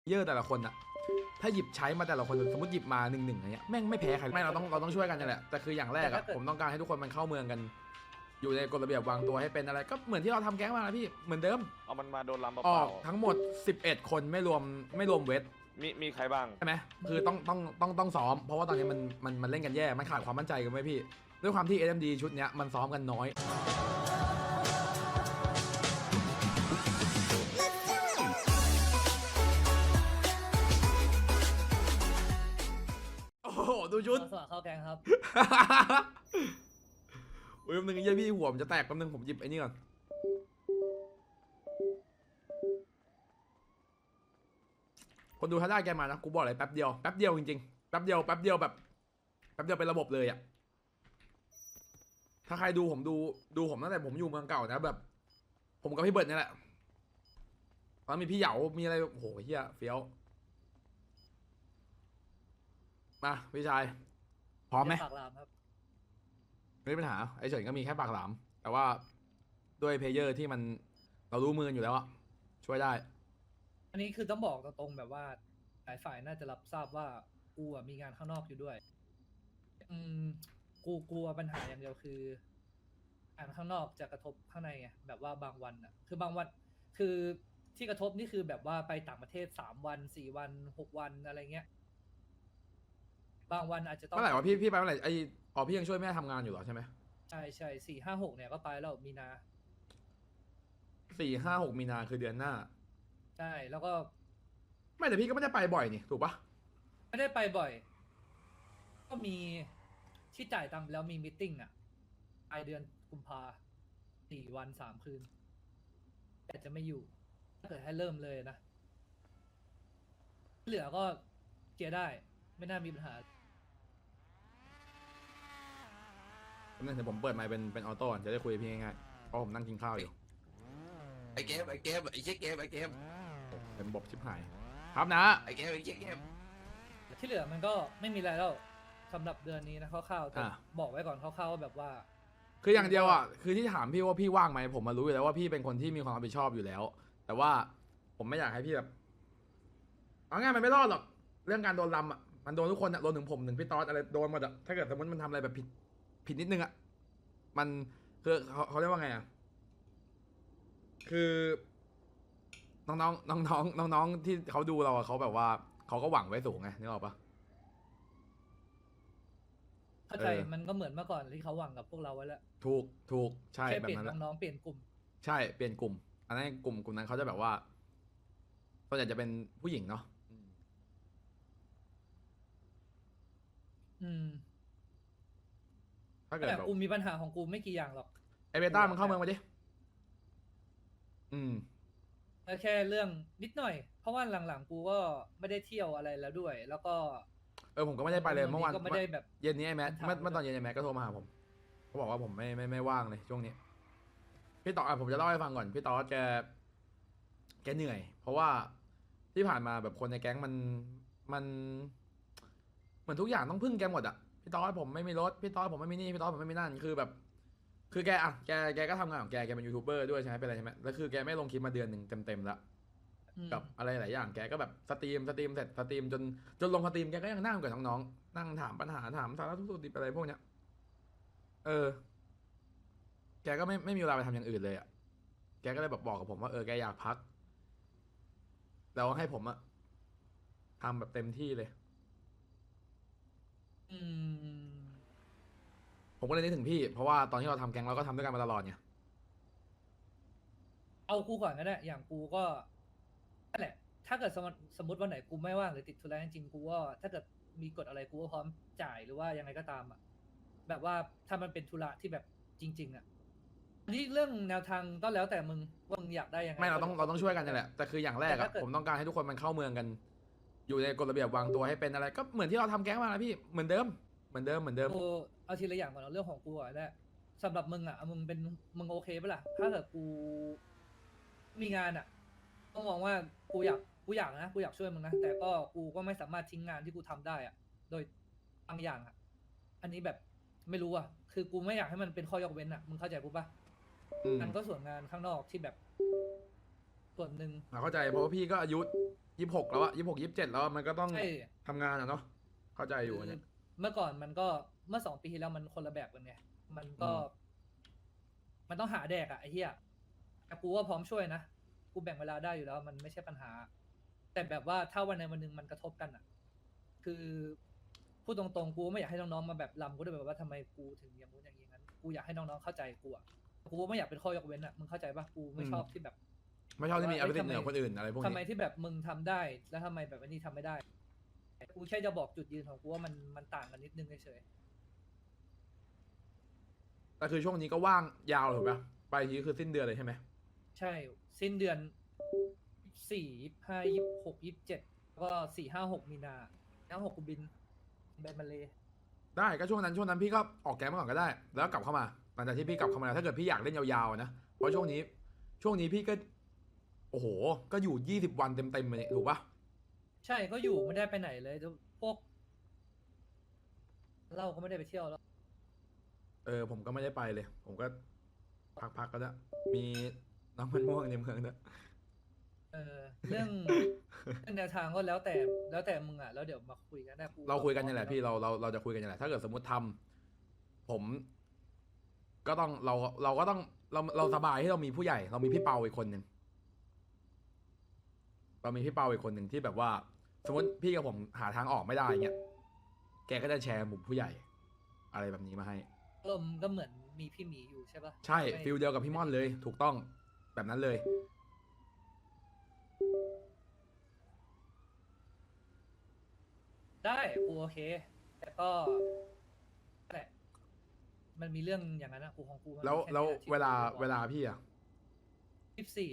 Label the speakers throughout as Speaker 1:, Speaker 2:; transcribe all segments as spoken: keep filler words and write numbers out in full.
Speaker 1: เยอะแต่ละคนอะถ้าหยิบใช้มาแต่ละคนสมมติหยิบมาหนึ่งหนึ่งอะไรเงี้ยแม่งไม่แพ้ใครไม่เราต้องเราต้องช่วยกันนี่แหละแต่คืออย่างแรกอะผมต้องการให้ทุกคนมันเข้าเมืองกันอยู่ในกฎระเบียบวางตัวให้เป็นอะไรก็เหมือนที่เราทำแก๊งมานะพี่เหมือนเดิม
Speaker 2: เอามันมาโดนลำเป
Speaker 1: ออ
Speaker 2: ล่าก
Speaker 1: ทั้งหมดสิบเอ็ดคนไม่รวมไม่รวมเวท
Speaker 2: มีมีใครบ้าง
Speaker 1: ใช่ไหมคือต้องต้องต้องต้องซ้อมเพราะว่าตอนนี้มันมันมันเล่นกันแย่มันขาดความมั่นใจกันไหมพี่ด้วยความที่ เอ็ม ดี ชุดเนี้ยมันซ้อมกันน้อยโอ้โหดูชุด
Speaker 3: สวัสดีเข้าแกงครับ
Speaker 1: อุ้ยแป๊บนึงไอ้เหี้ยพี่หัวผมจะแตกแป๊บนึงผมหยิบไอ้นี่ก่อนคนดูถ้าได้แกมานะกูบอกเลยแป๊บเดียวแป๊บเดียวจริงๆแป๊บเดียวแป๊บเดียวแบบแป๊บเดียวเป็นระบบเลยอะถ้าใครดูผมดูดูผมตั้งแต่ผมอยู่เมืองเก่านะแบบ ผมกับพี่เบิร์ดนี่แหละตอนมีพี่เหยามีอะไรโอ้โหเฮียเฟี้ยวมาพี่ชายพร้อมไหม
Speaker 3: ปากลามครับ
Speaker 1: ไม่มีปัญหาไอ้เฉินก็มีแค่ปากหลามแต่ว่าด้วยเพลเยอร์ที่มันเรารู้มืออยู่แล้วอะช่วยได้
Speaker 3: อันนี้คือต้องบอกตรงๆแบบว่าหลายฝ่ายน่าจะรับทราบว่ากูอะมีงานข้างนอกอยู่ด้วย อืมกูกลัวปัญหาอย่างเดียวคืองานข้างนอกจะกระทบข้างในไงแบบว่าบางวันอ่ะ คือบางวันคือที่กระทบนี่คือแบบว่าไปต่างประเทศสามวันสี่วันหกวันอะไรเงี้ย บางวันอาจจะต้อง
Speaker 1: เมื่อไหร่วะพี่พี่ไปเมื่อไหร่ไออ๋อพี่ยังช่วยแม่ทำงานอยู่เหรอใช่ไหม
Speaker 3: ใช่ใช่สี่ห้าหกเนี่ยก็ไปแล้วมีนา
Speaker 1: สี่ห้าหกมีนาคือเดือนหน้า
Speaker 3: ใช่แล้วก็
Speaker 1: ไม่แต่พี่ก็ไม่ได้ไปบ่อยนี่ถูกปะ
Speaker 3: ไม่ได้ไปบ่อย ก็มีที่จ่ายตังค์ไปแล้วมีมิทติ้งอ่ะปลายเดือนกุมภาสี่วันสามคืน แต่จะไม่อยู่ ถ้าเกิดให้เริ่มเลยนะ เหลือก็เคลียร์ได้ ไม่น่ามีปัญหา
Speaker 1: นั่นเดี๋ยวผมเปิดไมค์เป็นเป็นออโต้ก่อนจะได้คุยกับพี่ง่ายๆเพราะผมนั่งกินข้าวอยู่
Speaker 4: ไอเกมไอเกมไอเช็คเกมไอเกม
Speaker 1: เป็นบบชิบหายครับนะ
Speaker 4: ไอเกมไอเช็คเกม
Speaker 3: ที่เหลือมันก็ไม่มีอะไรแล้วสำหรับเดือนนี้นะคร่าวๆแต่
Speaker 1: อ่ะ
Speaker 3: บอกไว้ก่อนคร่าวๆว่าแบบว่า
Speaker 1: คืออย่างเดียวอ่ะคือที่ถามพี่ว่าพี่ว่างไหมผมมารู้อยู่แล้วว่าพี่เป็นคนที่มีความรับผิดชอบอยู่แล้ว แต่ว่าผมไม่อยากให้พี่แบบเอาง่ายมันไม่รอดหรอกเรื่องการโดนลำอ่ะมันโดนทุกคนอ่ะโดนถึงผมถึงพี่ต๊อดอะไรโดนหมดอ่ะถ้าเกิดสมมติมันทำอะไรแบบผิดผิดนิดนึงอ่ะมันคือเขาเขาเรียกว่าไงอ่ะคือน้องๆน้องๆน้องๆที่เขาดูเราอะเขาแบบว่าเขาก็หวังไว้สูงไงนึกออกปะ
Speaker 3: เข้าใจ
Speaker 1: เออ
Speaker 3: มันก็เหมือนเมื่อก่อนที่เขาหวังกับพวกเราไว้แล้ว
Speaker 1: ถูกถูกใช่
Speaker 3: แค่
Speaker 1: แบ
Speaker 3: เป
Speaker 1: บ
Speaker 3: ลี่ยน
Speaker 1: นั้นแหละ
Speaker 3: น้องๆเปลี่ยนกลุ่ม
Speaker 1: ใช่เปลี่ยนกลุ่ม อันนั้นกลุ่มกลุ่มนั้นเขาจะแบบว่าส่วนใหญ่จะเป็นผู้หญิงเนาะ
Speaker 3: อืม
Speaker 1: ถ้าเกิด
Speaker 3: แต่
Speaker 1: แบบ
Speaker 3: กูมีปัญหาของกูไม่กี่อย่างหรอก
Speaker 1: ไอเบต้ามันเข้าเมืองมาดิอืม
Speaker 3: แล้วแค่เรื่องนิดหน่อย เพราะว่าหลังๆกูก็ไม่ได้เที่ยวอะไรแล้วด้วย แล้วก็
Speaker 1: เออผมก็ไม่ได้ไปเลยเมื่อวาน
Speaker 3: ก็ไม่ได้แบบ
Speaker 1: เย็นนี้ไอแมท
Speaker 3: ถาม
Speaker 1: เมื่อเมื่อตอนเย็นไอแมทก็โทรมาหาผมเขาบอกว่าผมไม่ไม่ไม่ว่างเลยช่วงนี้พี่ต่ออ่ะผมจะเล่าให้ฟังก่อนพี่ต่อแกแกเหนื่อย เพราะว่าที่ผ่านมาแบบคนในแก๊งมันมันเหมือนทุกอย่างต้องพึ่งแกหมดอ่ะพี่ต่อผมไม่มีรถพี่ต่อผมไม่มีนี่พี่ต่อผมไม่มีนั่นคือแบบ คือแกอ่ะแกแกก็ทำงานของแกแกเป็นยูทูบเบอร์ด้วยใช่ไหมเป็นอะไรใช่ไหมแล้วคือแกไม่ลงคลิปมาเดือนหนึ่งเต็มๆแล้ว
Speaker 3: อืม
Speaker 1: กับอะไรหลายอย่างแกก็แบบสตรีมสตรีมเสร็จสตรีมจนจนลงสตรีมแกก็ยังนั่งกับน้องๆนั่งถามปัญหาถามสารทุกข์สุขดิบอะไรพวกเนี้ยเออ แกก็ไม่ไม่มีเวลาไปทำอย่างอื่นเลยอ่ะแกก็เลยแบบบอกกับผมว่าเออแกอยากพักแล้วให้ผมอะทำแบบเต็มที่เลย
Speaker 3: อืม
Speaker 1: ผมก็เลยนึกถึงพี่ เพราะว่าตอนที่เราทำแก๊งเราก็ทำด้วยกันมาตลอดไง
Speaker 3: เอากูก่อนก็ได้ อย่างกูก็นั่นแหละ ถ้าเกิดสมมติสมมติวันไหนกูไม่ว่างหรือติดธุระจริงๆกูก็ถ้าเกิดมีกฎอะไรกูก็พร้อมจ่ายหรือว่ายังไงก็ตามอ่ะ แบบว่าถ้ามันเป็นธุระที่แบบจริง ๆ อ่ะอันนี้เรื่องแนวทางก็แล้วแต่มึงว่ามึงอยากได้ยังไง
Speaker 1: ไม่เราต้องเราต้องช่วยกันนี่แหละแต่คืออย่างแรก
Speaker 3: แต่
Speaker 1: อะ
Speaker 3: ถ้าเกิด
Speaker 1: ผมต้องการให้ทุกคนมันเข้าเมืองกัน อยู่ในกฎระเบียบวางตัวให้เป็นอะไร ก็เหมือนที่เราทำแก๊งมานะพี่เหมือนเดิมเหมือนเดิมเหมือนเดิม
Speaker 3: กูเอาทีละอย่างก่อนเอาเรื่องของกูก่อนได้สำหรับมึงอ่ะมึงเป็นมึงโอเคปะล่ะถ้าเกิดกูมีงานอ่ะต้องมองว่ากูอยากกูอยากนะกูอยากช่วยมึงนะแต่ก็กูก็ไม่สามารถทิ้งงานที่กูทำได้อ่ะ โดยบางอย่างอ่ะ อันนี้แบบไม่รู้อ่ะคือกูไม่อยากให้มันเป็นข้อยกเว้นอ่ะมึงเข้าใจกูปะ
Speaker 1: อืม
Speaker 3: มันก็ส่วนงานข้างนอกที่แบบ ส่วนหนึ่ง
Speaker 1: เราเข้าใจเพราะว่าพี่ก็อายุยี่สิบหกแล้วอะยี่สิบหกยี่สิบเจ็ดแล้วอะมันก็ต้อง
Speaker 3: ใช่
Speaker 1: ทำงานอะเนาะเข้าใจอยู่อันเนี่ย
Speaker 3: เมื่อก่อนมันก็เมื่อสองปีที่แล้วมันคนละแบบกันไงมันก็
Speaker 1: อืม
Speaker 3: มันต้องหาแดกอะไอ้เหี้ยแต่กูว่าพร้อมช่วยนะกูแบ่งเวลาได้อยู่แล้ว มันไม่ใช่ปัญหา แต่แบบว่าถ้าวันใดวันหนึ่งมันกระทบกันอะคือพูดตรงๆกูไม่อยากให้น้องๆมาแบบลำกูด้วยแบบว่าทำไมกูถึงอย่างนู้นอย่างนี้งั้นกูอยากให้น้องๆเข้าใจกูอะกูไม่อยากเป็นข้อยกเว้นอะมึงเข้าใจปะกูไม่ชอบที่แบบ
Speaker 1: ไม่ชอบที่มีอ
Speaker 3: ว่า
Speaker 1: ภิ
Speaker 3: เอ้ย
Speaker 1: สิทธิ์เหนือ
Speaker 3: ทำไม
Speaker 1: คนอื่นอะไรพวก
Speaker 3: ทำไม
Speaker 1: นี้
Speaker 3: ที่แบบมึงทำได้แล้วทำไมแบบอันนี้ทำไม่ได้ กูแค่จะบอกจุดยืนของกูว่ามันมันต่างกันนิดนึงเฉย
Speaker 1: แต่คือช่วงนี้ก็ว่างยาวถูกปะไปทีคือสิ้นเดือนเลยใช่ไหม
Speaker 3: ๆใช่ สิ้นเดือนสี่ยี่ห้ายี่หกยี่เจ็ดแล้วก็สี่ห้าหกมีนาห้าหกกูบินไปมาเลย
Speaker 1: ได้ก็ช่วงนั้นช่วงนั้นพี่ก็ออกแก๊งมาก่อนก็ได้ แล้วกลับเข้ามาหลังจากที่พี่กลับเข้ามาแล้วถ้าเกิดพี่อยากเล่นยาวๆนะเพราะช่วงนี้ ช่วงนี้พี่ก็ โอ้โห ก็อยู่ยี่สิบวันเต็มๆเลยถูกปะ
Speaker 3: ใช่ก็อยู่ไม่ได้ไปไหนเลยพวกเราก็ไม่ได้ไปเที่ยวแล้ว
Speaker 1: เออผมก็ไม่ได้ไปเลย ผมก็พักๆก็ได้มีน้ำมันม่วงในเมืองด้วย
Speaker 3: เออเรื่อง เรื่องแนวทางก็แล้วแต่แล้วแต่มึงอ่ะแล้วเดี๋ยวมาคุยกันได้กู
Speaker 1: เราคุยกันนี่แหละพี่เราเราเราจะคุยกันนี่แหละถ้าเกิดสมมติทำผม ก็ต้องเราเราก็ต้องเราเราสบายที่เรามีผู้ใหญ่ เรามีพี่เปาอีกคนหนึ่งเรามีพี่เปาอีกคนหนึ่งที่แบบว่า สมมติพี่กับผมหาทางออกไม่ได้เงี้ยแกก็จะแชร์มุมผู้ใหญ่ อะไรแบบนี้มาให้
Speaker 3: ลมณ์ก็เหมือนมีพี่หมีอยู่ใช่ปะ
Speaker 1: ใช่
Speaker 3: ไม่
Speaker 1: ฟิลเดียวกับพี่ม่อนเลย ถูกต้องแบบนั้นเลย
Speaker 3: ได้กูโอเค แต่ก็นั่นแหละมันมีเรื่องอย่างนั้นอะกูของกูมัน
Speaker 1: แล้ว
Speaker 3: ค่
Speaker 1: แล้ว
Speaker 3: นี้อะที่
Speaker 1: เวลา
Speaker 3: กูบอก
Speaker 1: เวลาพี่อะ
Speaker 3: ยี่สิบสี่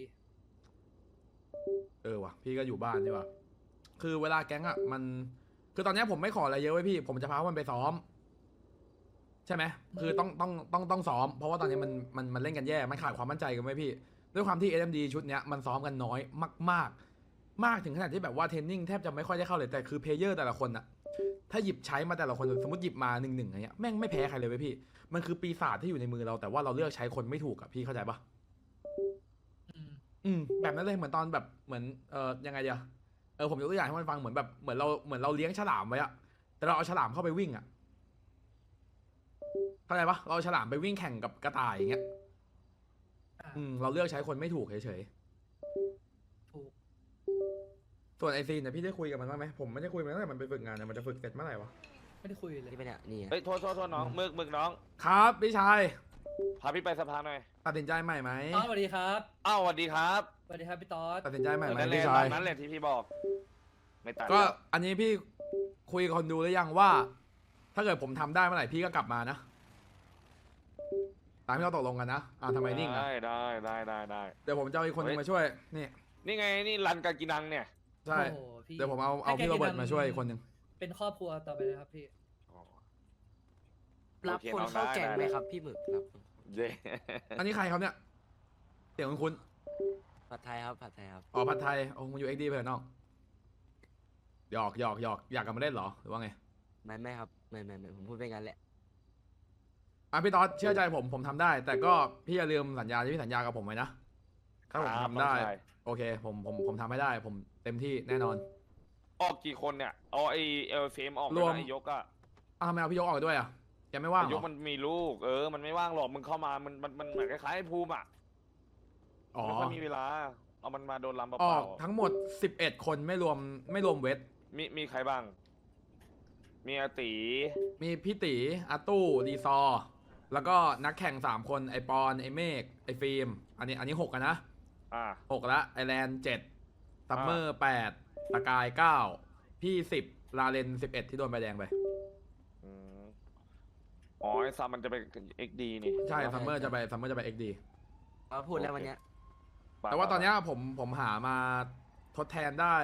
Speaker 1: เออว่ะพี่ก็อยู่บ้านดีกว่าคือเวลาแก๊งอะมัน คือตอนเนี้ยผมไม่ขออะไรเยอะไว้ยพี่ ผมจะพามันไปซ้อม ใช่ไหมคือต้องต้องต้องต้องซ้อม เพราะว่าตอนนี้มันมันมันเล่นกันแย่ มันขาดความมั่นใจกันไว้ยพี่ ด้วยความที่ เอส เอ็ม ดี ชุดเนี้ยมันซ้อมกันน้อยมากๆ มากถึงขนาดที่แบบว่าเทรนนิ่งแทบจะไม่ค่อยได้เข้าเลยแต่คือเพลเยอร์แต่ละคนอะถ้าหยิบใช้มาแต่ละคนสมมติหยิบมาหนึ่งหนึ่งอะไรเงี้ยแม่งไม่แพ้ใครเลยเว้ยพี่ มันคือปีศาจที่อยู่ในมือเราแต่ว่าเราเลือกใช้คนไม่ถูกอะพี่เข้าใจปะ
Speaker 3: อืม
Speaker 1: อืมแบบนั้นเลยเหมือนตอนแบบเหมือนเออยังไงเดียวเออผมยกตัวอย่างให้มันฟังเหมือนแบบเหมือนเราเหมือนเราเลี้ยงฉลามไว้อะแต่เราเอาฉลามเข้าไปวิ่งอะเข้าใจปะเราเอาฉลามไปวิ่งแข่งกับกระต่ายอย่างเงี้ย
Speaker 3: อ่า
Speaker 1: อืมเราเลือกใช้คนไม่ถูกเฉย
Speaker 3: ถูก
Speaker 1: ๆส่วนไอซีนเนี่ยพี่ได้คุยกับมันบ้างไหมผมไม่ได้คุยมันตั้งแต่มันไปฝึกงานเนี่ยมันจะฝึกเสร็จเมื่อไหร่วะ
Speaker 3: ไม่ได้คุยเลย
Speaker 5: นี่ปะเนี่ยนี่ไง
Speaker 2: เฮ้ยโทษโทษโทษน้องมึกมึกน้อง
Speaker 1: ครับพี่ชาย
Speaker 2: พาพี่ไปสภาหน่อย
Speaker 1: ตัดสินใจใหม่ไหม
Speaker 3: ตอสสวัสดีครับ
Speaker 2: อ้าวสวัสดีครับ
Speaker 3: สวัสดีครับพี่ตอส
Speaker 1: ตัดสินใจใหม่ไหม
Speaker 2: นั่นแหละ
Speaker 1: พี่ชา
Speaker 2: ตาย มนั้นแหละที่พี่บอก ไม่ตัด
Speaker 1: ก็
Speaker 2: แล้ว
Speaker 1: อันนี้พี่คุยกับคนดูหรือยังว่า ถ้าเกิดผมทำได้เมื่อไหร่พี่ก็กลับมานะตามที่เราตกลงกันนะอ่าทำไมนิ่งอะ
Speaker 2: ได้ได้ได้ได้ได้
Speaker 1: เดี๋ยวผมจะเอาอีกคนนึงมาช่วยนี่
Speaker 2: นี่ไงนี่รันกากินังเนี่ย
Speaker 1: ใช่
Speaker 3: โอ้โหพี่
Speaker 1: เดี๋ยวผมเอาเอาพี่โรเบิร์ตมาช่วยอีกคนหนึ่ง
Speaker 3: เป็นครอบครัวต่อไปนะครับพี่
Speaker 5: รับ
Speaker 2: โอเค
Speaker 5: คน
Speaker 2: น้อง
Speaker 5: เข้า
Speaker 2: ได้
Speaker 5: แก๊ง
Speaker 2: ได้
Speaker 5: ไหมครับพี่หมึกรับ
Speaker 2: เย้
Speaker 1: อันนี้ใครครับเนี่ยเสียงคุณคุณ
Speaker 5: ผัดไทยครับผัดไทยครับ
Speaker 1: อ๋อผัดไทยโอ้มาอยู่เอ็กดีเพื่อนน้องหยอกหยอกหยอกอยากกลับมาเล่นเหรอหรือว่าไง
Speaker 5: ไม่ไม่ครับไม่ไม่ไม่ผมพูดไปงั้นแหละ
Speaker 1: อ่ะพี่ต๊อดเชื่อใจผมผมทำได้ แต่ก็พี่อย่าลืมสัญญาที่พี่สัญญากับผมไว้นะถ้าผม
Speaker 2: ครับ
Speaker 1: ทำได้
Speaker 2: น้องชาย
Speaker 1: โอเค ผมผมผมทำให้ได้ ผมเต็มที่แน่นอน
Speaker 2: ออกกี่คนเนี่ยเอาไอเอลเฟมออก
Speaker 1: รวม
Speaker 2: ไอยกอะ
Speaker 1: อ้าวทำไมเอาพี่ยกออกด้วยอ่ะแกไม่ว่างเหร
Speaker 2: ย
Speaker 1: อก
Speaker 2: มันมีลูก เออ มันไม่ว่างหรอกมึงเข้ามามันมันมันเหมือนคล้ายๆไอ้ภูมิอะ
Speaker 1: อ๋อ
Speaker 2: ไม่ค่อยมีเวลา เอามันมาโดนลำเป
Speaker 1: ออ
Speaker 2: ล่าก
Speaker 1: ทั้งหมดสิบเอ็ดคนไม่รวมไม่รวมเวท
Speaker 2: ๆมีมีใครบ้าง มีอาตี
Speaker 1: มีพี่ตีอาตู้ดีซอร์แล้วก็นักแข่งสามคนไอปอนไอเมฆไอฟิล์มอันนี้อันนี้หกกันนะ
Speaker 2: อ่า
Speaker 1: หกละไอแลนด์เจ็ดซัมเมอร์แปดตะกายเก้าพี่สิบลาเลนสิบเอ็ดที่โดนใบแดงไป
Speaker 2: อืมอ๋อไอซัมมันจะเป็นเอ็กดีนี่
Speaker 1: ใช่ซัมเมอร์จะไปซัมเมอร์จะไปเอ็กดี
Speaker 5: เราพูดแล้ววันเนี้ย
Speaker 1: แต่ว่าตอนเนี้ยผมผมหามาทดแทนได้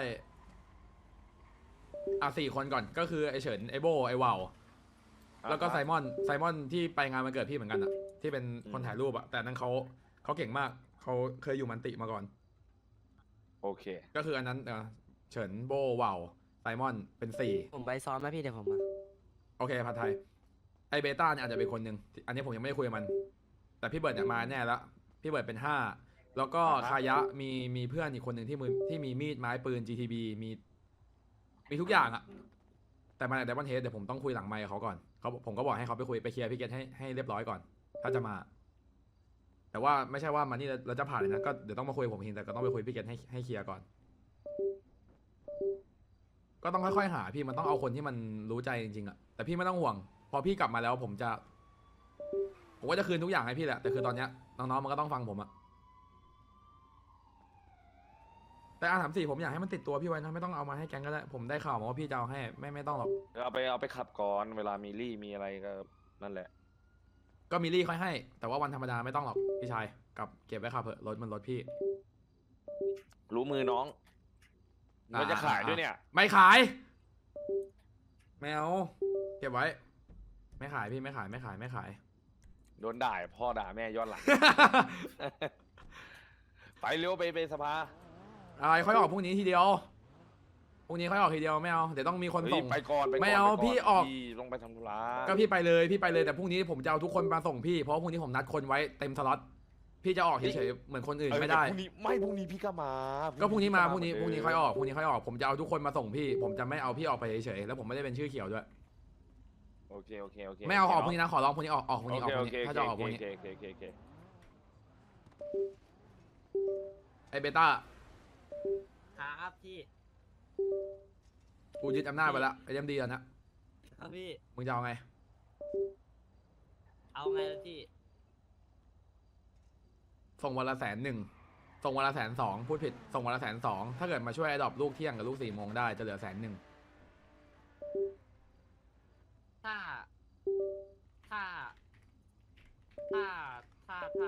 Speaker 1: อ่ะสี่คนก่อนก็คือไอเฉินไอโบไอวาวแล้วก็ไซมอนไซมอนที่ไปงานวันเกิดพี่เหมือนกันอะที่เป็นคนถ่ายรูปอะแต่นั้นเขาเขาเก่งมากเขาเคยอยู่มันติมาก่อน
Speaker 2: โอเค
Speaker 1: ก็คืออันนั้นเออเฉินโบวาวไซมอนเป็นสี่
Speaker 5: ผมไปซ้อมไหมพี่เดี๋ยวผมมา
Speaker 1: โอเคผัดไทยไอเบต้าเนี่ยอาจจะเป็นคนหนึ่งอันนี้ผมยังไม่ได้คุยกับมัน แต่พี่เบิร์ดเนี่ยมาแน่แล้วพี่เบิร์ดเป็นห้าแล้วก็
Speaker 2: อ่าฮะ
Speaker 1: คายะมีมีเพื่อนอีกคนหนึ่งที่มือที่มีมีดไม้ปืน จี ที บี มีมีทุกอย่างอะแต่มาใน Diamond Head เดี๋ยวผมต้องคุยหลังไมค์กับเขาก่อนเขาผมก็บอกให้เขาไปคุยไปเคลียร์พี่เกตให้ให้เรียบร้อยก่อน ถ้าจะมา แต่ว่าไม่ใช่ว่ามานี่แล้วแล้วจะผ่านเลยนะก็เดี๋ยวต้องมาคุยกับผมเองแต่ก็ต้องไปคุยพี่เกตให้ให้เคลียร์ก่อน ก็ต้องค่อยๆหาพี่มันต้องเอาคนที่มันรู้ใจจริงๆอะแต่พี่ไม่ต้องห่วง พอพี่กลับมาแล้วผมจะ ผมก็จะคืนทุกอย่างให้พี่แหละแต่คือตอนเนี้ยน้องๆมันก็ต้องฟังผมอะแต่อาถามสี่ผมอยากให้มันติดตัวพี่ไว้นะไม่ต้องเอามาให้แก๊งก็ได้ผมได้ข่าวมาว่าพี่จะเอาให้ไม่ไม่ต้องหรอก
Speaker 2: เอาไปเอาไปขับก่อนเวลามีรี่มีอะไรก็นั่นแหละ
Speaker 1: ก็มีรี่ค่อยให้ แต่ว่าวันธรรมดาไม่ต้องหรอกพี่ชายกับเก็บไว้ขับเถอะรถมันรถพี่
Speaker 2: รู้มือน้องมันจะขายด้วยเนี่ย
Speaker 1: ไม่ขาย ไม่เอาเก็บไว้ ไม่ขายพี่ไม่ขายไม่ขายไม่ขาย
Speaker 2: โดนด่าพ่อด่าแม่ย้อนหลัง ไปเร็วไปไปสภา
Speaker 1: อะไรค่อยออกพรุ่งนี้ทีเดียวพรุ่งนี้ค่อยออกทีเดียวไม่เอาเดี๋ยวต้องมีคน
Speaker 2: เฮ้ย
Speaker 1: ส่ง
Speaker 2: ไปก่อนไปก่อน
Speaker 1: ไม่เอา
Speaker 2: ปก่น
Speaker 1: พี่ออก
Speaker 2: พี่ต้องไปทำธุระ
Speaker 1: ก็พี่ไปเลยพี่ไปเลยแต่พรุ่งนี้ผมจะเอาทุกคนมาส่งพี่เพราะว่าพรุ่งนี้ผมนัดคนไว้เต็มสล็อตพี่จะออกเฉยๆเหมือนคนอื่น
Speaker 2: เออ
Speaker 1: ไม่ได้
Speaker 2: แต่พรุ่งนี้ไม่พรุ่งนี้พี่ก็มา
Speaker 1: ก็พรุ่งนี้มาพรุ่งนี้
Speaker 2: เห
Speaker 1: พ
Speaker 2: มื
Speaker 1: รุ่งนี้
Speaker 2: เดิม
Speaker 1: ค่อยออกพรุ่งนี้ค่อยออกผมจะเอาทุกคนมาส่งพี่ ผมจะไม่เอาพี่ออกไปเฉยๆแล้วผมไม่ได้เป็นชื่อเขียวด้วย
Speaker 2: โอเคโอเคโอเค
Speaker 1: ไม่เอาออกพรุ่งนี้นะขอร้องพรุ่งนี้ออกออกพรุ่ง
Speaker 2: โอ
Speaker 1: นี้ออก
Speaker 2: เค
Speaker 1: พ
Speaker 2: โอ
Speaker 1: รุ่ง
Speaker 2: เค
Speaker 1: นี้ถ้าจะออกพรุ่งนี้
Speaker 2: โอเคโอเคโอเคโอเค
Speaker 1: ไอเบต้า
Speaker 5: ครับพี่
Speaker 1: กูยึดอำนาจไปละไอเอ็มดีแล้วนะครับ
Speaker 5: พี่
Speaker 1: มึงจะเอาไง
Speaker 5: เอาไงล่ะพี่
Speaker 1: ส่งวันละแสนหนึ่งส่งวันละแสนสองพูดผิดส่งวันละแสนสองถ้าเกิดมาช่วยไอดอปลูกเที่ยงกับลูกสี่โมงได้จะเหลือแสนหนึ่ง
Speaker 5: ถ้า ถ้า ถ้า ถ้า ถ้า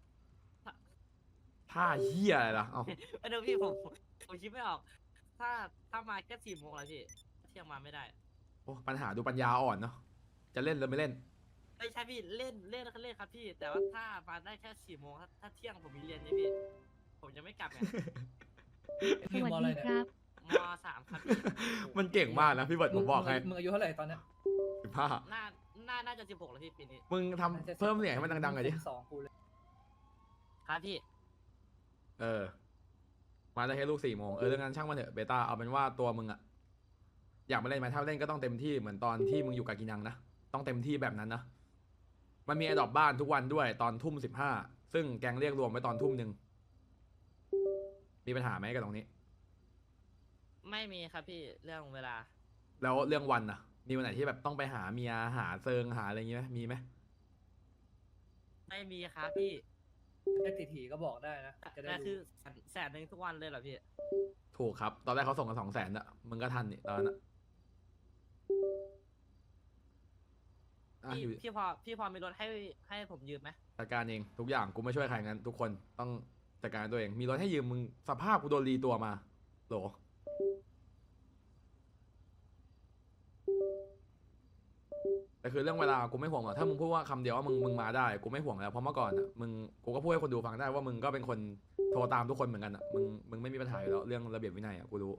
Speaker 1: ท่าเฮียอะไรล่ะเอ้า
Speaker 5: เออเดี๋ยวพี่ผมผมคิดไม่ออก ถ้าถ้ามาแค่สี่โมงแล้วพี่เที่ยงมาไม่ได้
Speaker 1: โอ้ปัญหาดูปัญญาอ่อนเนาะจะเล่นหรือไม่เล่น
Speaker 5: ไม่ใช่พี่เล่นเล่นก็เล่นครับพี่ แต่ว่าถ้ามาได้แค่สี่โมงถ้าถ้าเที่ยงผมมีเรียนเนี่ยพี่ ผมจะไม่กลับไง
Speaker 3: ไอ้
Speaker 6: ส
Speaker 3: นี่
Speaker 6: วัส
Speaker 3: มออะไร
Speaker 6: ดี
Speaker 3: เนี่ย
Speaker 6: ครับ
Speaker 5: มสามครับพี่
Speaker 1: มันเก่งมากนะพี่เบิร์ดผมบอกให้
Speaker 3: มึงอายุเท่าไหร่ตอนเนี้ย
Speaker 1: สิบห้า
Speaker 5: น่าน่าน่าจะสิบหกแล้วพี่ปีนี้
Speaker 1: มึงทำเพิ่มเสียงให้มันดังๆหน่อยดิ
Speaker 3: สองกูเลย
Speaker 5: ครับพี่
Speaker 1: เออ มาได้แค่ลูกสี่โมงเออเรื่องนั้นช่างมันเถอะเบต้าเอาเป็นว่าตัวมึงอะอยากมาเล่นไหมถ้าเล่นก็ต้องเต็มที่เหมือนตอนที่มึงอยู่กับกินังนะต้องเต็มที่แบบนั้นนะมันมีไอดอปบ้านทุกวันด้วยตอนทุ่มสิบห้าซึ่งแกงเรียกรวมไว้ตอนทุ่มหนึ่งมีปัญหาไหมกับตรงนี้
Speaker 5: ไม่มีครับพี่เรื่องเวลา
Speaker 1: แล้วเรื่องวันอะมีวันไหนที่แบบต้องไปหาเมียหาเซิงหาอะไรอย่างงี้ไหมมีไหม
Speaker 5: ไม่มีครับพี่
Speaker 3: ได้ติดหีก็บอกได้นะจะได้
Speaker 5: แต่คือ
Speaker 3: รู้
Speaker 5: แสนแสนหนึ่งทุกวันเลยเหรอพี่
Speaker 1: ถูกครับ ตอนแรกเขาส่งกันสองแสนอะมึงก็ทันนี่ตอนนั้นอะอ่ะ
Speaker 5: พี่
Speaker 1: อยู่
Speaker 5: พี่พอพี่พอมีรถให้ให้ผมยืมไหม
Speaker 1: จัดการเองทุกอย่างกูไม่ช่วยใครงั้นทุกคนต้องจัดการตัวเองมีรถให้ยืมมึงสภาพกูโดนรีตัวมาโหลแต่คือเรื่องเวลากูไม่ห่วงหรอกถ้ามึงพูดว่าคำเดียวว่ามึงมึงมาได้กูไม่ห่วงแล้วเพราะเมื่อก่อนอ่ะมึงกูก็พูดให้คนดูฟังได้ว่ามึงก็เป็นคนโทรตามทุกคนเหมือนกันอ่ะมึงมึงไม่มีปัญหาอยู่แล้วเรื่องระเบียบวินัยอ่ะกูรู้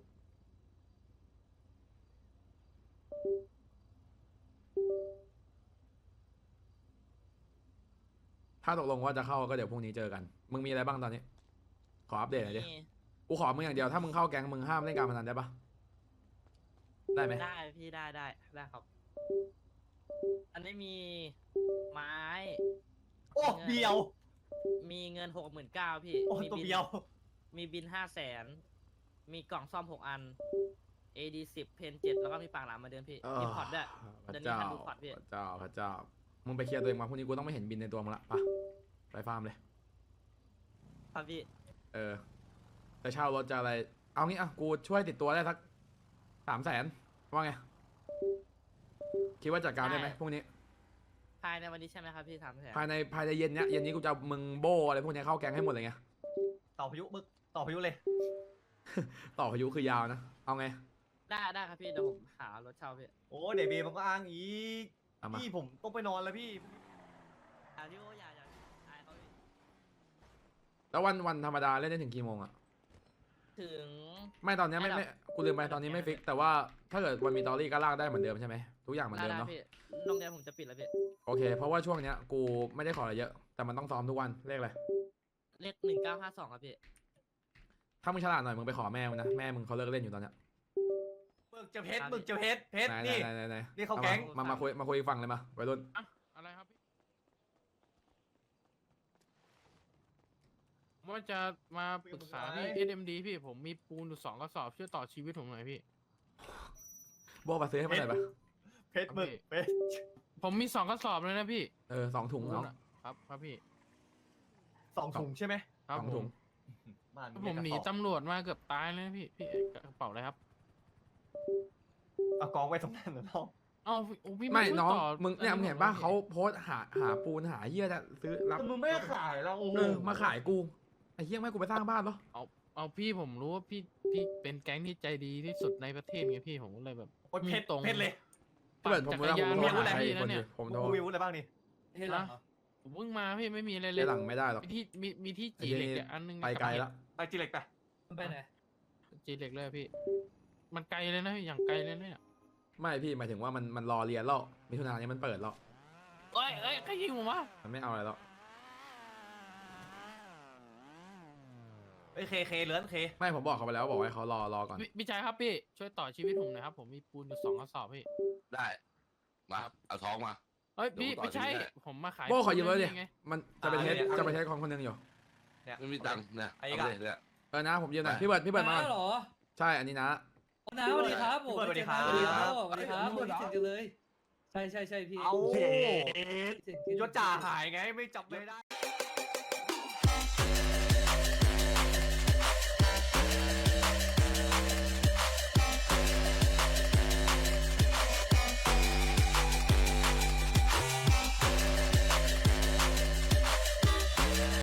Speaker 1: ถ้าตกลงว่าจะเข้าก็เดี๋ยวพรุ่งนี้เจอกันมึงมีอะไรบ้างตอนนี้ ขออัปเดตหน่อยดิ
Speaker 5: มี
Speaker 1: กูขอมึงอย่างเดียวถ้ามึงเข้าแก๊งมึงห้ามเล่นการพนันได้ปะได้ไหม
Speaker 5: ได้พี่ได้ได้ได้ครับ อันนี้มีไม้
Speaker 7: โอ้เบียว
Speaker 5: มีเงินหกหมื่นเก้าพี่
Speaker 7: โอ้
Speaker 5: มี
Speaker 7: ตัว
Speaker 5: บิน
Speaker 7: เบียว
Speaker 5: มีบินห้าแสนมีกล่องซ่อมหกอัน เอ ดี สิบเพนเจ็ดแล้วก็มีปากหลามมาเดิมพี่มีพอร์ตด้วย
Speaker 1: พระ
Speaker 5: เดี๋ยวนี้
Speaker 1: เจ้า
Speaker 5: ทันดูพอร์ตพี่
Speaker 1: พระเจ้าพระเจ้ามึงไปเคลียร์ตัวเองมาพรุ่งนี้กูต้องไม่เห็นบินในตัวมึงละไปะไปฟาร์มเลย
Speaker 5: ครับพี่
Speaker 1: เออจะเช่ารถจะอะไร เอางี้อ่ะกูช่วยติดตัวได้สักสามแสนว่าไง คิดว่าจัดการได้ไหมพรุ่งนี้
Speaker 5: ภายในวันนี้ใช่ไหมครับพี่ถามแทน
Speaker 1: ภายในภายในเย็นเนี้ยเย็นนี้กูจะเอามึงโบอะไรพวกเนี้ยเข้าแก๊งให้หมดเลยไง
Speaker 7: ต่อพายุมึกต่อพายุเลย
Speaker 1: ต่อพายุคือยาวนะ เอาไง
Speaker 5: ได้ได้ครับพี่เดี๋ยวผมหารถเช่าพี่
Speaker 7: โอ้เดี๋ยวเบย์มันก็อ้างอีก
Speaker 1: เอามา
Speaker 7: พี่ผมต้องไปนอนแล้วพี่
Speaker 5: อ่าพี่โออย่าอย่าอายเขาพี่
Speaker 1: แล้ววันวันธรรมดาเล่นได้ถึงกี่โมงอะ
Speaker 5: ถึง
Speaker 1: ไม่ตอนเนี้ยไม่ไม่กูลืมไปตอนนี้ไม่ฟิก แต่ว่าถ้าเกิดวันมีตอรี่ก็ลากได้เหมือนเดิมใช่ไหมทุกอย่างเหมือน
Speaker 5: ได้
Speaker 1: เดิม
Speaker 5: ได้
Speaker 1: เนาะ
Speaker 5: พี่โรงเรียนผมจะปิดแล้วพี่
Speaker 1: โอเค เพราะว่าช่วงเนี้ยกูไม่ได้ขออะไรเยอะ แต่มันต้องซ้อมทุกวันเลขอะไร
Speaker 5: เลขหนึ่งเก้าห้าสองครับพี่
Speaker 1: ถ้ามึงฉลาดหน่อยมึงไปขอแม่มึงนะแม่มึงเขาเลิกเล่นอยู่ตอนเนี้ย
Speaker 7: หมึกจะเพชรหมึกจะเพชรเพชร
Speaker 1: ไหน
Speaker 7: นี่
Speaker 1: ไหนไหนไหน
Speaker 7: นี่เขา
Speaker 1: อ
Speaker 7: แก๊ง
Speaker 1: มามามาคุยมาคุยอีกฝั่งเลยมาวัยรุ่น
Speaker 6: อะไรครับพี่ผมว่าจะมาปรึกษาพี่ เอส เอ็ม ดี พี่ผมมีปูนอยู่สองกระสอบช่วยต่อชีวิตผมหน่อยพี่
Speaker 1: โบมาซื้อให้มันหน่อยปะ
Speaker 7: เพชรหมึกเพชร
Speaker 6: ผมมีสองกระสอบเลยนะพี่
Speaker 1: เออสองถุง
Speaker 6: ปูน
Speaker 1: เนาะ
Speaker 6: อะครับครับพี่
Speaker 7: สองถุงใช่ไหม
Speaker 6: ครับ
Speaker 1: สอง
Speaker 6: ผ
Speaker 1: ถุ
Speaker 6: ม
Speaker 1: ง
Speaker 7: บ้าน
Speaker 6: ผมหนี
Speaker 7: กระสอบ
Speaker 6: ตำรวจมาเกือบตายเลยนะพี่พี่กระเป๋าอะไรครับ
Speaker 7: เอากองไว้ตรงนั้นนะน้อง
Speaker 6: เอ้าโอ้พี่
Speaker 1: ไม่
Speaker 6: ช่วย
Speaker 1: น้อง
Speaker 6: ต่
Speaker 1: มึงเนี่ย
Speaker 6: อั
Speaker 1: มึงเห็น
Speaker 6: ผ
Speaker 1: ป่ะ
Speaker 6: ลย
Speaker 1: เขาโพสต์หาหาปูนหาเหี้ยจะซื้อรับ
Speaker 7: แต่มึงไม่ขายแล้วโอ้โห
Speaker 1: เออมาขายกูไอ้เหี้ยไม่ให้กูไปสร้างบ้านเหรอ
Speaker 6: เอาเอาพี่ผมรู้ว่าพี่พี่เป็นแก๊งที่ใจดีที่สุดในประเทศไงพี่ผมก็เลยแบบ
Speaker 7: โอ้ยเพชร
Speaker 6: ตรง
Speaker 7: เพชรเลย
Speaker 1: ถ้าเกิดผม
Speaker 6: จักรยาน
Speaker 1: ผม
Speaker 6: มี
Speaker 1: โทร
Speaker 6: อาวุธ
Speaker 1: หา
Speaker 6: อะไร
Speaker 1: ใคร
Speaker 6: พี่
Speaker 1: คน
Speaker 6: นะ
Speaker 1: อ
Speaker 6: เนี่ย
Speaker 1: ยู่ผม
Speaker 7: มึ
Speaker 1: โทรง
Speaker 7: มีอาวุธอะไรบ้างนี่
Speaker 3: เฮ้ยเหรอ
Speaker 6: ผมเพิ่งมาพี่ไม่มีอะไรเล
Speaker 1: เจ๊
Speaker 6: ย
Speaker 1: หลังไม่ได้หรอก
Speaker 6: มีที่มีมีที่จีเหล็กอยู่อันนึง
Speaker 1: ไปไกลแล้ว
Speaker 7: ไปจีเล็กไป
Speaker 3: มันไปไหน
Speaker 6: จีเหล็กเลยพี่ มันไกลเลยนะพี่อย่างไกลเลยเนี่ย
Speaker 1: ไม่พี่หมายถึงว่ามันมันรอเรียนแล้วมิถุนายนนี้มันเปิดแล้ว
Speaker 6: เอ้ยเอ้ยใครยิงผมวะ
Speaker 1: มันไม่เอาอะไรแล้ว
Speaker 7: เอ้ยเคเคเหลือนเค
Speaker 1: ไม่ผมบอกเขาไปแล้วบอกให้เขารอรอก่อน
Speaker 6: พี่พี่ชายครับพี่ช่วยต่อชีวิตผมหน่อยครับผมมีปูนอยู่สองกระสอบพี่
Speaker 4: ได้มาเอาท้องมา
Speaker 6: เอ้ยพี่
Speaker 4: เดี๋ยวผมต่อ
Speaker 6: ไม่ใช่
Speaker 4: ชีวิตให้
Speaker 6: ผมมาขาย
Speaker 1: โบ้ขอยืม
Speaker 6: ปู
Speaker 1: เลย
Speaker 6: น
Speaker 1: ดิ
Speaker 6: ไง
Speaker 1: มันจะไปเทสจะไปเทสของคนหนึงอยู่
Speaker 7: เนี่ย
Speaker 4: ไม่มีตังค์เนี่ย
Speaker 7: ไอ้
Speaker 4: เอา
Speaker 7: กะ
Speaker 4: เลยเนี่ย
Speaker 1: เออนะผมยืมหน่อย
Speaker 4: ได้
Speaker 1: พี่เบิร์ดพี่เบิร์ดมา
Speaker 3: น้าเหรอ
Speaker 1: ใช่อันนี้นะ
Speaker 3: อ๋อน้าสวัสดีครับผม
Speaker 7: พี่เบิร์ดสวัสดีครับ
Speaker 3: สวัสดีครับสวัสดีครับผมคิดถึงกันเลย ใช่ใช่ใช่พี่
Speaker 7: เอา
Speaker 3: คิดถึงคิดถึง
Speaker 7: ยศจ่าหายไงไม่จับไม่ได้